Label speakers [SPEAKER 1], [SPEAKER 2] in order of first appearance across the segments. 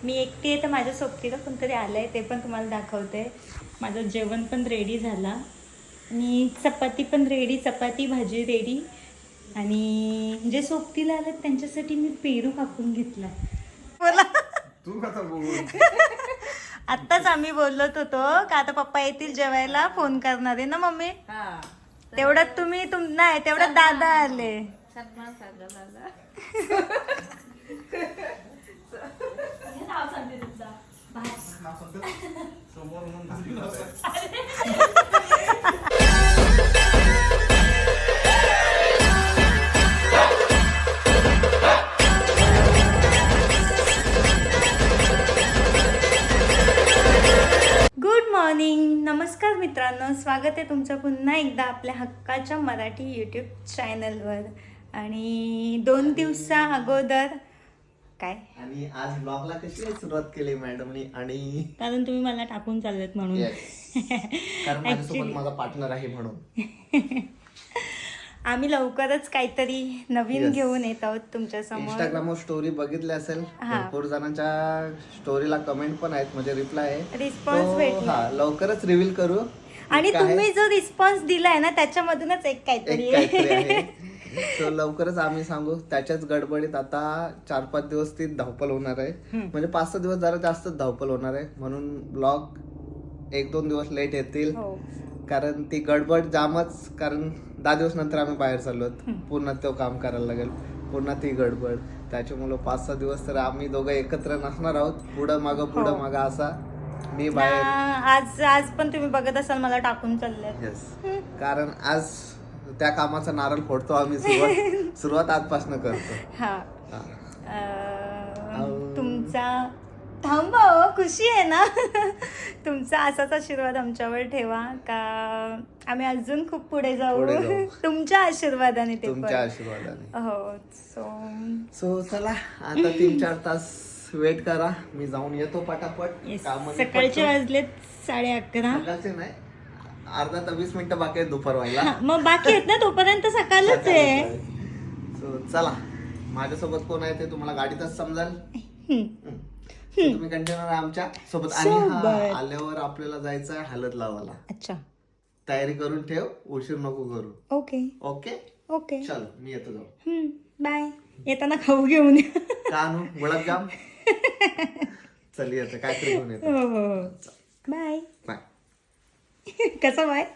[SPEAKER 1] मी एकटी आहे तर माझ्या सोबतीला कोणतरी आलं आहे, ते पण तुम्हाला दाखवते. माझं जेवण पण रेडी झालं आणि चपाती पण रेडी, चपाती भाजी रेडी. आणि जे सोबतीला आलं त्यांच्यासाठी मी पेरू कापून घेतला. बोला
[SPEAKER 2] तू कसा बोल.
[SPEAKER 1] आत्ताच आम्ही बोलत होतो का आता पप्पा येतील जेवायला, फोन करणार आहे ना मम्मी. तेवढ्यात तुम्ही नाही तेवढ्यात दादा आले. गुड मॉर्निंग, नमस्कार मित्रांनो, स्वागत आहे तुमचं पुन्हा एकदा आपल्या हक्काच्या मराठी यूट्यूब चॅनलवर. आणि 2 दिवसा अगोदर काय
[SPEAKER 3] आणि आज ब्लॉगला कशी सुरुवात केली मॅडमनी? आणि
[SPEAKER 1] कारण तुम्ही मला टाकून चाललेत म्हणून.
[SPEAKER 3] कारण माझ्यासोबत माझा पार्टनर आहे म्हणून
[SPEAKER 1] आम्ही लवकरच काहीतरी नवीन घेऊन येत आहोत तुमच्या समोर.
[SPEAKER 3] इंस्टाग्रामवर स्टोरी बघितली असेल, भरपूर जणांच्या स्टोरीला कमेंट पण आहेत, म्हणजे रिप्लाय आहे,
[SPEAKER 1] रिस्पॉन्स भेटला.
[SPEAKER 3] लवकरच रिव्हील करू.
[SPEAKER 1] आणि तुम्ही जो रिस्पॉन्स दिलाय ना त्याच्यामधूनच एक काहीतरी
[SPEAKER 3] आहे. तो लवकरच आम्ही सांगू. त्याच्याच गडबडीत आता 4-5 दिवस ती धावपल होणार आहे, म्हणजे 5-6 दिवस जरा जास्त धावपल होणार आहे, म्हणून ब्लॉग 1-2 दिवस लेट येतील. कारण ती गडबड जामच, कारण 10 दिवस नंतर आम्ही बाहेर चाललो, पुन्हा तो काम करायला लागेल, पुन्हा ती गडबड. त्याच्यामुळे 5-6 दिवस तर आम्ही दोघं एकत्र नसणार आहोत, पुढं मागं असा. मी बाहेर
[SPEAKER 1] आज पण तुम्ही बघत असाल मला टाकून चालले.
[SPEAKER 3] येस, कारण आज त्या कामाचा नारळ फोडतो आम्ही. सुरुवात आजपासून करतो.
[SPEAKER 1] तुमचा थांबा, खुशी आहे ना. तुमचा असाच आशीर्वाद आमच्यावर ठेवा का आम्ही अजून खूप पुढे जाऊ. तुमच्या आशीर्वादाने.
[SPEAKER 3] तुमच्या आशीर्वादाने.
[SPEAKER 1] हो.
[SPEAKER 3] सो चला आता 3-4 तास वेट करा, मी जाऊन येतो पटापट.
[SPEAKER 1] सकाळचे वाजलेत 11:30.
[SPEAKER 3] सकाळचे नाही, अर्धा तर 20 मिनिटं बाकी आहेत दुपार व्हायला.
[SPEAKER 1] मग बाकी आहेत ना, तोपर्यंत सकाळच आहे.
[SPEAKER 3] सो चला, माझ्यासोबत कोण आहे ते तुम्हाला गाडीतच समजाल. तुम्ही कंटेनर आमच्या सोबत. आणि आल्यावर आपल्याला जायचं आहे हळद लावायला.
[SPEAKER 1] अच्छा,
[SPEAKER 3] तयारी करून ठेव, उशीर नको करू.
[SPEAKER 1] ओके
[SPEAKER 3] ओके
[SPEAKER 1] ओके,
[SPEAKER 3] चल मी येतो जाऊ.
[SPEAKER 1] बाय. येताना खाऊ घेऊन या.
[SPEAKER 3] का आणू? गुलाबजाम. चल येतं, काहीतरी घेऊन येतो.
[SPEAKER 1] Bye
[SPEAKER 3] bye.
[SPEAKER 1] कसं बाय?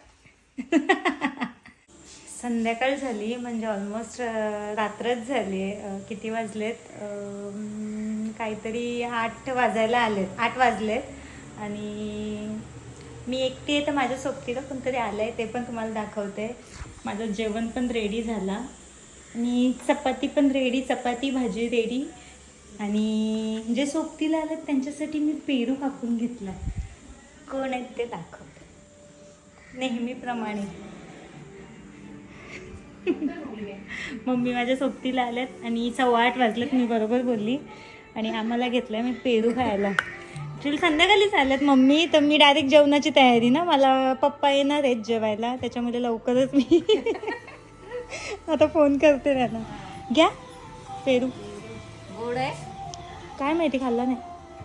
[SPEAKER 1] संध्याकाळ झाली, म्हणजे ऑलमोस्ट रात्रच झाली. किती वाजलेत? काहीतरी 8 वाजायला आलेत, 8 वाजलेत. आणि मी एकटी आहे तर माझ्या सोबतीला कोणतरी आलं आहे, ते पण तुम्हाला दाखवते. माझं जेवण पण रेडी झालं आणि चपाती पण रेडी, चपाती भाजी रेडी. आणि जे सोबतीला आलं त्यांच्यासाठी मी पेरू कापून घेतला. कोण आहेत ते दाखवते नेहमीप्रमाणे. मम्मी माझ्या सोबतीला आल्यात आणि 8:15 वाजलेत, मी बरोबर बोलली. आणि आम्हाला घेतलं मी पेरू खायला. ॲक्च्युली संध्याकाळीच आल्यात मम्मी, तर मी डायरेक्ट जेवणाची तयारी ना, मला पप्पा येणार आहेत जेवायला, त्याच्यामुळे लवकरच मी आता फोन करते त्याला. घ्या पेरू.
[SPEAKER 4] गोड आहे
[SPEAKER 1] काय माहिती, खाल्ला नाही.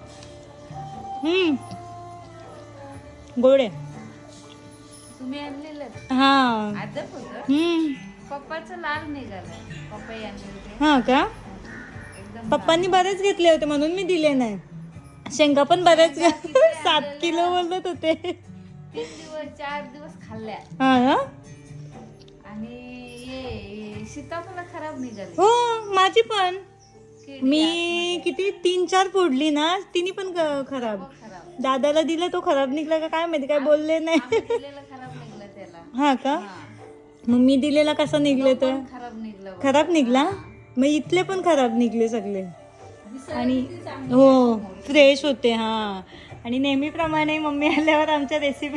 [SPEAKER 1] गोड आहे.
[SPEAKER 4] तुम्ही आणलेलं
[SPEAKER 1] हां.
[SPEAKER 4] आदप होत. पप्पाचं लाल निघालाय. पप्पा आणले.
[SPEAKER 1] हां का? पप्पांनी बरेच घेतले होते म्हणून मी दिले नाही. शेंगा पण बरेच 7 किलो बोलत होते.
[SPEAKER 4] 3 दिवस 4 दिवस खाल्ल्या.
[SPEAKER 1] हा ना.
[SPEAKER 4] आणि ये सीताफळ खराब निघाली.
[SPEAKER 1] हो माझी पण. मी किती 3-4 फोडली ना, तिने पण खराब. दादाला दिला, तो खराब निघला का काय माहिती, काय बोलले नाही.
[SPEAKER 4] खराब निघला त्याला.
[SPEAKER 1] हा का? मग मी दिलेला कसा निघले तर खराब निघला. मग इथले पण खराब निघले सगळे. आणि हो फ्रेश होते. हा. आणि नेहमीप्रमाणे मम्मी आल्यावर आमच्या रेसिपी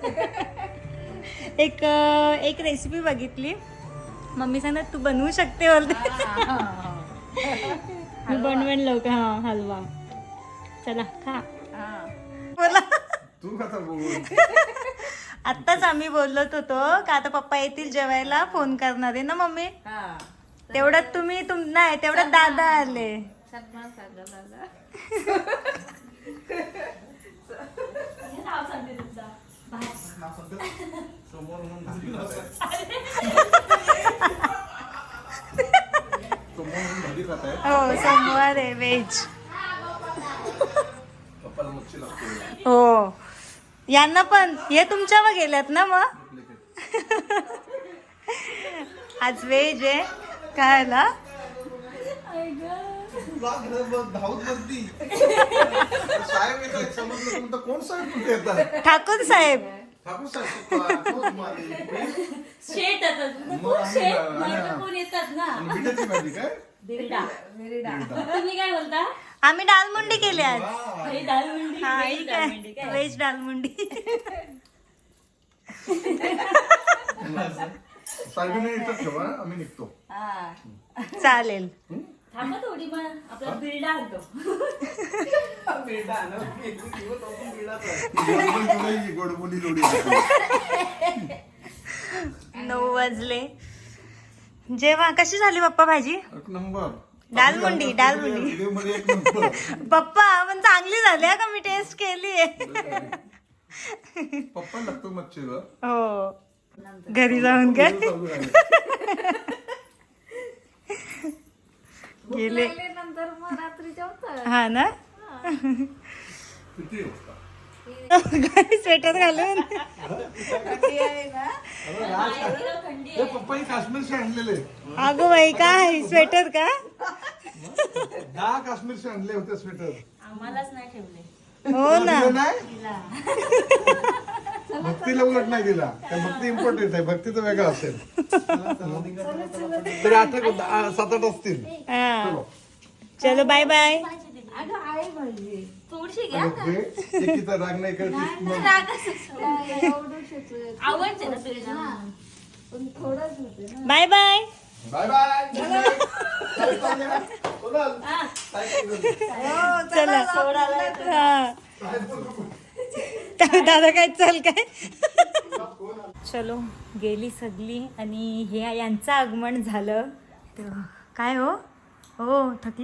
[SPEAKER 1] एक रेसिपी बघितली. मम्मी सांगत तू बनवू शकते बोलते. मी बनवेन लवकर. हा हलवा. चला खा. बोला
[SPEAKER 2] तू कसा बोल.
[SPEAKER 1] आत्ताच आम्ही बोलत होतो का आता पप्पा येतील जेवायला, फोन करणार आहे ना मम्मी. तेवढ्यात तुम्ही नाही तेवढ्यात दादा आले. व्हेज.
[SPEAKER 2] पप्पाला मच्छी लागते.
[SPEAKER 1] हो यांना पण हे तुमच्यावर गेल्यात ना मग. आज व्हेज आहे. काय आला
[SPEAKER 2] धावत बसती. साहेब येतात समजलं कोण साहेब कुठे येतात?
[SPEAKER 1] ठाकूर साहेब.
[SPEAKER 2] ठाकूर साहेब
[SPEAKER 1] शेट येतात ना.
[SPEAKER 2] बिटाची भाजी काय?
[SPEAKER 1] तुम्ही काय बोलता? आम्ही दालमुंडी केली आज. हा ही काय व्हेज दालमुंडी.
[SPEAKER 2] साहेबांना येतात ठेवा आम्ही निघतो.
[SPEAKER 1] चालेल.
[SPEAKER 2] गोडबोली लोडी
[SPEAKER 1] 9 वाजले. जेव्हा कशी झाली पप्पा भाजी?
[SPEAKER 2] एक नंबर.
[SPEAKER 1] दालमुंडी
[SPEAKER 2] व्हिडिओमध्ये एक नंबर.
[SPEAKER 1] पप्पा पण चांगली झाली का? मी टेस्ट केली आहे.
[SPEAKER 2] पप्पा लागतो मच्छीला.
[SPEAKER 1] हो घरी जाऊन काय गेले
[SPEAKER 4] नंतर मग रात्री जेवतात.
[SPEAKER 1] हा ना.
[SPEAKER 2] किती वाजता?
[SPEAKER 1] काय स्वेटर घालून.
[SPEAKER 2] पप्पाही काश्मीरचे आणलेले.
[SPEAKER 1] अगो बाई काय स्वेटर का?
[SPEAKER 2] 10 काश्मीरचे आणले होते स्वेटर.
[SPEAKER 1] आम्हालाच नाही ठेवले. हो ना.
[SPEAKER 2] भक्तीला उलट नाही दिला. भक्ती इम्पॉर्टंट आहे. भक्ती तर वेगळा असेल. तरी 7-8 असतील.
[SPEAKER 1] हा चलो बाय बाय.
[SPEAKER 2] एकीचा राग नाही करत.
[SPEAKER 1] Bye bye.
[SPEAKER 2] Bye bye.
[SPEAKER 1] चला हा. दादा काय चल काय. चलो गेली सगळी आणि हे यांचं आगमन झालं. तेव्हा काय हो हो थकले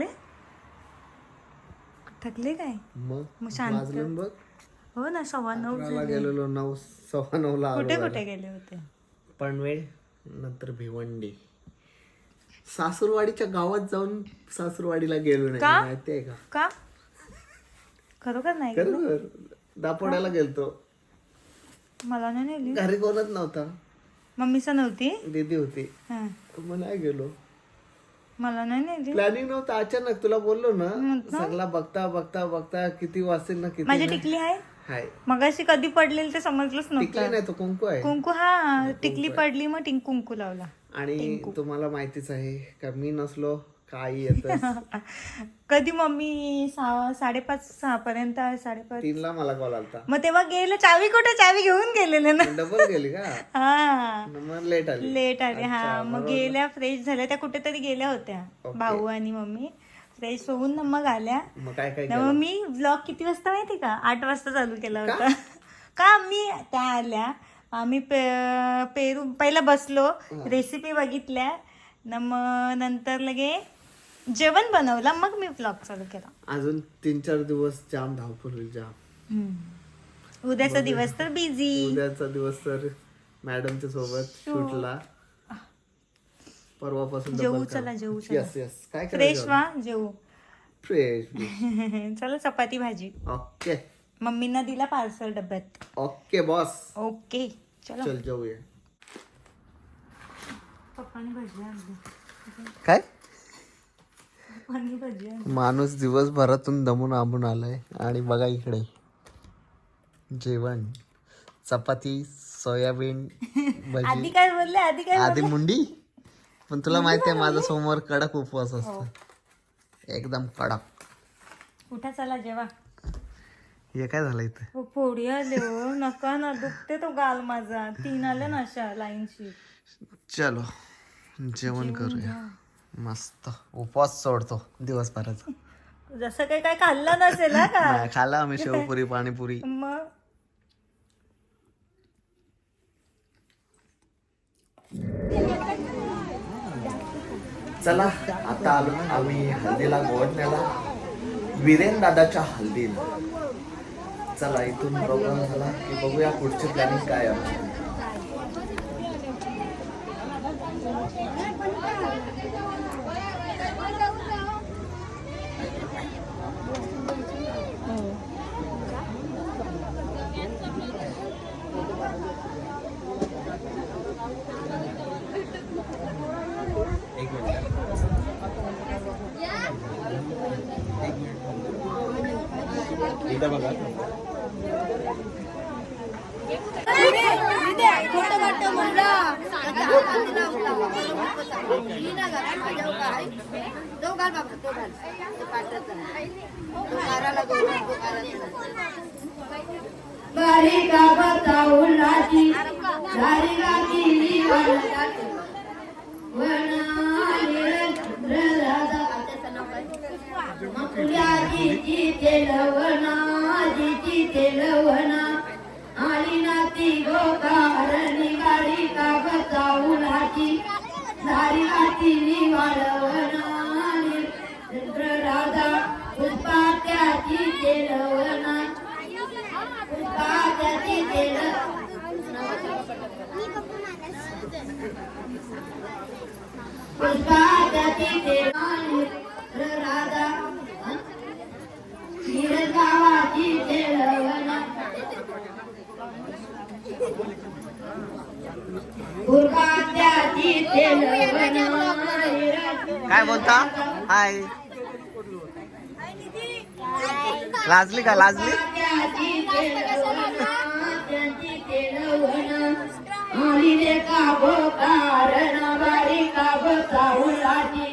[SPEAKER 1] काय
[SPEAKER 3] मग
[SPEAKER 1] शांत.
[SPEAKER 3] वाजलं बघ.
[SPEAKER 1] हो ना 9:15 झाले.
[SPEAKER 3] गेलेलो 9:15
[SPEAKER 1] कुठे कुठे गेले होते?
[SPEAKER 3] पनवेल नंतर भिवंडी. सासूरवाडीच्या गावात जाऊन सासूरवाडीला गेलो नाही.
[SPEAKER 1] का?
[SPEAKER 3] माहितीये का?
[SPEAKER 1] का खरोखर नाही.
[SPEAKER 3] खरं दापोड्याला गेलतो.
[SPEAKER 1] मला नाही नेली.
[SPEAKER 3] घरी कोणच नव्हता.
[SPEAKER 1] मम्मीच नव्हती.
[SPEAKER 3] दीदी होती.
[SPEAKER 1] हा
[SPEAKER 3] मग नाही गेलो.
[SPEAKER 1] मला नाही नेली.
[SPEAKER 3] प्लॅनिंग नव्हतं. अचानक तुला बोललो ना सगळा बघता बघता बघता किती वाजतील ना किती
[SPEAKER 1] माझी
[SPEAKER 3] नाही.
[SPEAKER 1] टिकली आहे.
[SPEAKER 3] हाय
[SPEAKER 1] मगाशी कधी पडलेली ते समजलंच
[SPEAKER 3] टिकली
[SPEAKER 1] नव्हतं.
[SPEAKER 3] नाही तो कुंकू आहे.
[SPEAKER 1] कुंकू हा टिकली पडली मग कुंकू लावला.
[SPEAKER 3] आणि तुम्हाला माहितीच आहे का मी नसलो काही येत.
[SPEAKER 1] कधी मम्मी 5:30-6 पर्यंत 5:30
[SPEAKER 3] 3ला मला कॉल आलता.
[SPEAKER 1] मग तेव्हा गेले. चावी कुठे? चावी घेऊन गेलेले ना.
[SPEAKER 3] डबल गेली का?
[SPEAKER 1] हा
[SPEAKER 3] मग लेट आली.
[SPEAKER 1] लेट आले. हा मग गेल्या फ्रेश झाल्या. त्या कुठेतरी गेल्या होत्या भाऊ आणि मम्मी. फ्रेश होऊन ना मग आल्या.
[SPEAKER 3] मग काय काय
[SPEAKER 1] मग मी ब्लॉग किती वाजता माहिती का? 8 वाजता चालू केला होता. का मी त्या आल्या आम्ही पेरू पहिला बसलो रेसिपी बघितल्या न मग नंतर लगे जेवण बनवलं मग मी ब्लॉग चालू केला.
[SPEAKER 3] अजून 3-4 दिवस जाम धावपळ होईल जाम.
[SPEAKER 1] उद्याचा दिवस तर बिझी.
[SPEAKER 3] उद्याचा दिवस तर मॅडमच्या सोबत शूटला. परवापासून
[SPEAKER 1] जेवू चला जेवू चला.
[SPEAKER 3] यस यस काय
[SPEAKER 1] फ्रेश व्हा जेवू.
[SPEAKER 3] फ्रेश.
[SPEAKER 1] चला चपाती भाजी.
[SPEAKER 3] ओके
[SPEAKER 1] मम्मींना दिला पार्सल डब्यात.
[SPEAKER 3] Okay boss.
[SPEAKER 1] ओके चलो.
[SPEAKER 3] चल जाऊया.
[SPEAKER 1] पप्पानी भजी आणली.
[SPEAKER 3] काय
[SPEAKER 1] पप्पानी भजी आणली.
[SPEAKER 3] माणूस दिवसभरातून दमून आंबून आलाय आणि बघा इकडे जेवण चपाती सोयाबीन
[SPEAKER 1] आधी
[SPEAKER 3] भजी
[SPEAKER 1] काय बोलले?
[SPEAKER 3] आधी मुंडी. पण तुला माहिती आहे माझा सोमवार कडक उपवास असतो. एकदम कडक.
[SPEAKER 1] उठा चला जेवा.
[SPEAKER 3] हे काय झालं इथं?
[SPEAKER 1] हो फोडी आले हो. नका ना दुखते तो गाल माझा. 3 आले ना अशा लाईनशी.
[SPEAKER 3] चलो जेवण करूया. मस्त उपवास सोडतो दिवसभराचा.
[SPEAKER 1] जसं काही काय खाल्लं नसेल हा का?
[SPEAKER 3] नाही, खाल्ला आम्ही शेवपुरी पाणीपुरी.
[SPEAKER 1] मग
[SPEAKER 3] चला आता आलो आम्ही हल्दीला गोवडण्याला. वीरेन दादाच्या हल्दीला. चला इथून प्रोग्राम झाला की बघूया पुढची प्लॅनिंग काय आहे. एक मिनिट. इथं बघा.
[SPEAKER 5] बारीका बताऊलाची दारिका केली वनाची तेलवना आली नाती गोकारणी बारीका बताऊलाची दारिका केली वाळवना राधा पुष्पात्याची तेलवना पुष्पात्याची पुष्पात्याची राधा गावाची तेलवना पुष्पात्याची तेलवना.
[SPEAKER 3] काय बोलता? हाय. लाजली का? लाजली?
[SPEAKER 5] आली रे का कारण बारी का बताऊलाची